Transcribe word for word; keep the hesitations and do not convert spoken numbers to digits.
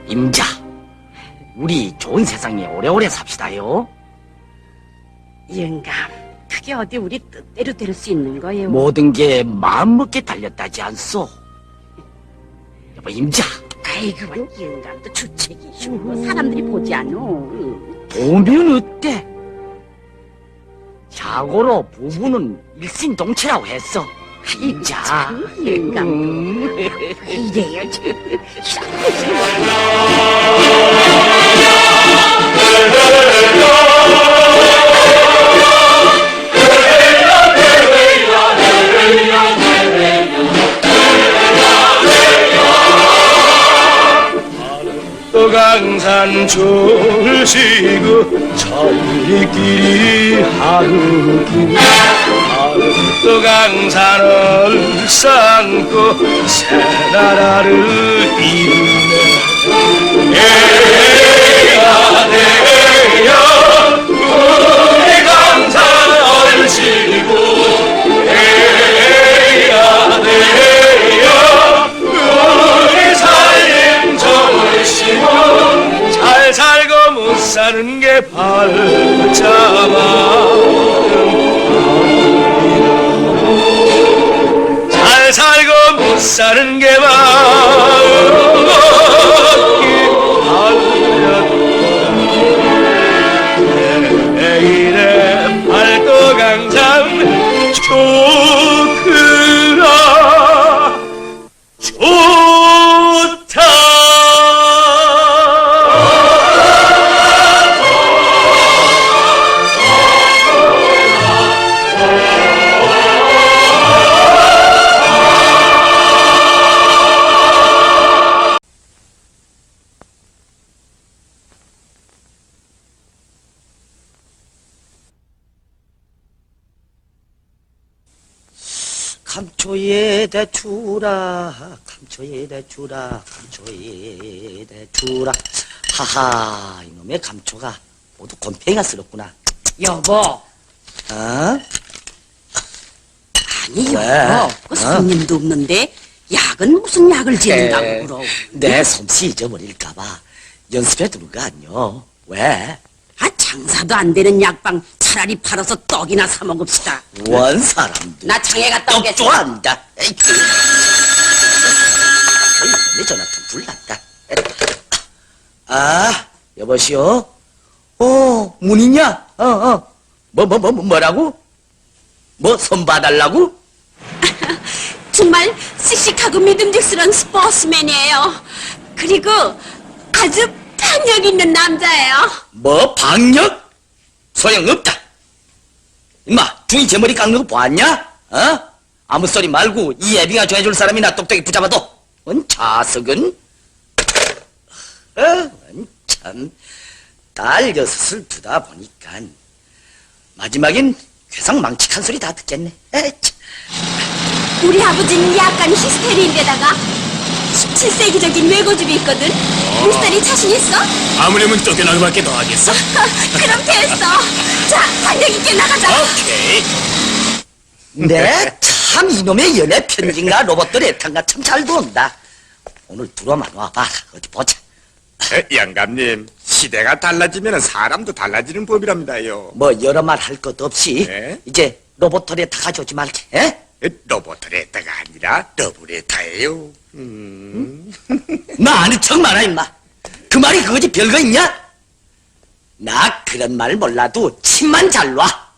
임자, 우리 좋은 세상에 오래오래 삽시다요. 영감, 그게 어디 우리 뜻대로 될 수 있는 거예요? 모든 게 마음먹게 달렸다지 않소. 여보, 임자. 아이, 그건 영감도 주책이시고 사람들이 보지 않노. 보면 어때? 자고로 부부는 일신동체라고 했어. 임자. 참, 영감. 음. 이래요, 참. 강산 졸시고 천리길이 하루길 또 강산을 쌓고 새나라를 이루네. 에야 내야 우리 강산 얼씨구 에야 내야 우리 살림 절시구 잘 살고 못 사는 게 발자마 잘 살고 못 사는 게 마음 내일의 팔도 강산 좋으라 좋다. 감초에다 주라, 감초에다 주라, 감초에다 주라. 하하, 이놈의 감초가 모두 곰팡이가 쓸었구나. 여보. 어? 아니, 왜? 여보. 그 손님도 없는데 약은 무슨 약을 지는다고 그러? 내 솜씨 잊어버릴까봐 연습해 두는 거 아니요. 왜? 아, 장사도 안 되는 약방 차라리 팔아서 떡이나 사 먹읍시다. 원 사람들. 나 장에 갔다 떡 오겠어. 좋아한다. 에이, 그. 에이, 내 전화통 불났다. 아, 여보시오. 어, 문이냐? 어, 어. 뭐, 뭐, 뭐, 뭐라고? 뭐, 손 봐달라고? 정말 씩씩하고 믿음직스러운 스포츠맨이에요. 그리고 아주 탄력 있는 남자예요. 뭐, 방역? 소용없다. 임마, 중이 제 머리 깎는 거 보았냐? 어? 아무 소리 말고 이 애비가 좋아해줄 사람이나 똑똑히 붙잡아도. 원 자석은? 어, 원 참. 딸 여섯을 두다 보니까 마지막엔 괴상 망측한 소리 다 듣겠네. 에이, 참. 우리 아버지는 약간 히스테리인데다가 십칠 세기적인 외고집이 있거든. 미스터리 자신 있어? 아무렴은 쫓겨나기밖에 더 하겠어? 그럼 됐어. 자, 탄력 있게 나가자. 오케이. 네, 참 이놈의 연애 편지인가 로봇들 애탄가 참 잘 돈다. 오늘 들어만 와봐. 어디 보자. 에, 영감님, 시대가 달라지면 사람도 달라지는 법이랍니다요. 뭐 여러 말 할 것 없이 네? 이제 로봇들에 다 가져오지 말게. 에? 로봇레타가 아니라 러브레타예요. 음. 나 아는 척 마라 임마. 그 말이 그거지 별거 있냐? 나 그런 말 몰라도 침만 잘 놔.